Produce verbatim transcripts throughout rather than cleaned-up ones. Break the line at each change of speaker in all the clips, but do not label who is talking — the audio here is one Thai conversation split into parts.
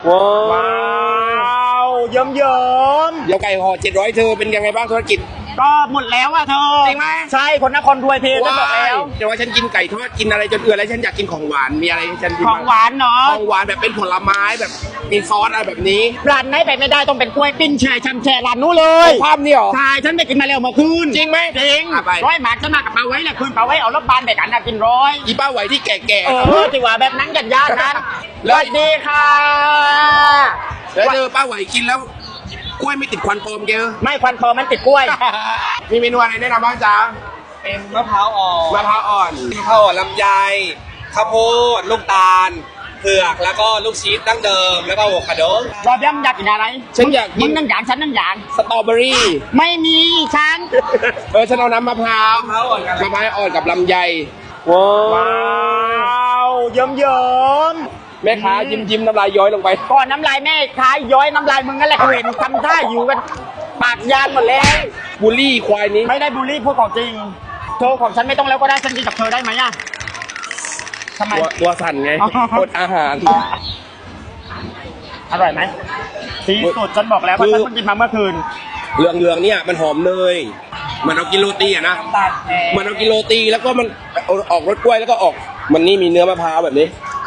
ว้าวเยิ้มเยิ้ม
เดี๋ยวไก่ห่อเจ็ดร้อยเธอเป็นยังไงบ้างธุรกิจ
ก็หมดแล้วอะเธอ
จริงไหม
ใช่คนนครรวยเพจะบอกแล้ว
แต่ว่าฉันกินไก่ทอดกินอะไรจนเอื่อยแล้วฉันอยากกินของหวานมีอะไรให้ฉันกิน
ของหวานเนาะ
ของหวานแบบเป็นผลไม้แบบมีซอสอะไรแบบนี้
ร้านไหนไปไม่ได้ต้องเป็นกล้วยปิ้งแช่ชำแช่ร้านนู้นเลย
ภาพนี่หรอ
ใช่ฉันไปกินมาแล้วเมื่อคืน
จริงไหม
จริง
อ่ะไป
ร้อยหมากฉันมากับปาไว้แหละคืนปาไว้เอารถบานไปกันนะกินร้อย
อีป้าไหวที่แก่ๆ
เออที่ว่าแบบนั้นกันยากนั้น
แล้
ส
ว
วัสดีค่ะ
แล้วเจอป้าไหวกินแล้วกล้วยไม่ติดควันโฟมเจอ
ไม่ควันพอมันติดกล้วย
มีเมนูอะไรแนะนำบ้างจ๊ะ
เป็นมะพร้าวอ่อน
มะพร้าวอ่อน
มะพร้าวอ่อนลำไยข้าวโพดลูกตาลเผือกแล้วก็ลูกชีสดั้งเดิมแล้วก็อะโวคาโด
รอบย่ำอยากกินอะไร
ฉันอยากกิ
มึ
น
งนั่งอย่างฉันนั่งอย่าง
สตรอเบอรี่
ไม่มีฉัน
เออฉันเอาน้ำมะพร้าว
มะพร้าวอ่อนกัน
มะพร้าวอ่อนกับลำไย
ว้าวเยิ้มเยิ้ม
แม่ค้ายิ้มยิ้มน้ำลายย้อยลงไป
ก่อนน้ำลายแม่ค้ายย้อยน้ำลายมึงนั่นแหละเห็นทำท่าอยู่กันปากยานหมดแล้ว
บูลลี่ควายนี้
ไม่ได้บูลลี่พูดของจริงเธอของฉันไม่ต้องแล้วก็ได้ฉันกินกับเธอได้ไหมอะทำไม
ตัวตัวสั่นไง
อ๋อ
อดอาหาร
อร่อยไหมสีสุดฉันบอกแล้วว่าฉันเพิ่งกินมาเมื่อคืน
เหลืองเหลืองๆเนี่ยมันหอมเนยมันเอากินโรตีอะนะ
ตาลแดง
มันเอากินโรตีแล้วก็มันเอาออกรสกล้วยแล้วก็ออก มันนี่มีเนื้อมะพร้าวแบบนี้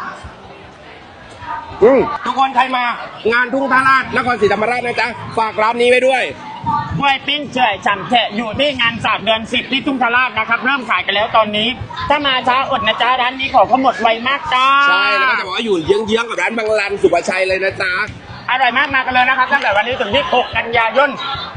อืมทุกคนใครมา งานทุ่งท่าราชนครศรีธรรมราชนะจ๊ะฝากร้านนี้ไว้ด้วย
กล้วยปิ้งเฉยฉ่ำแฉะอยู่ที่งานสามเดือนสิบที่ทุ่งทาราชนะครับเริ่มขายกันแล้วตอนนี้ ถ้ามาช้าอดนะจ๊ะร้านนี้ของเขาหมดไวมากจ้า
ใช่แล้วก็จะบอกว่าอยู่เยื้องๆกับร้านบางรันสุภชัยเลยนะจ๊ะ
อร่อยมากมากันเลยนะครับตั้งแต่วันนี้ถึงที่หกกันยายน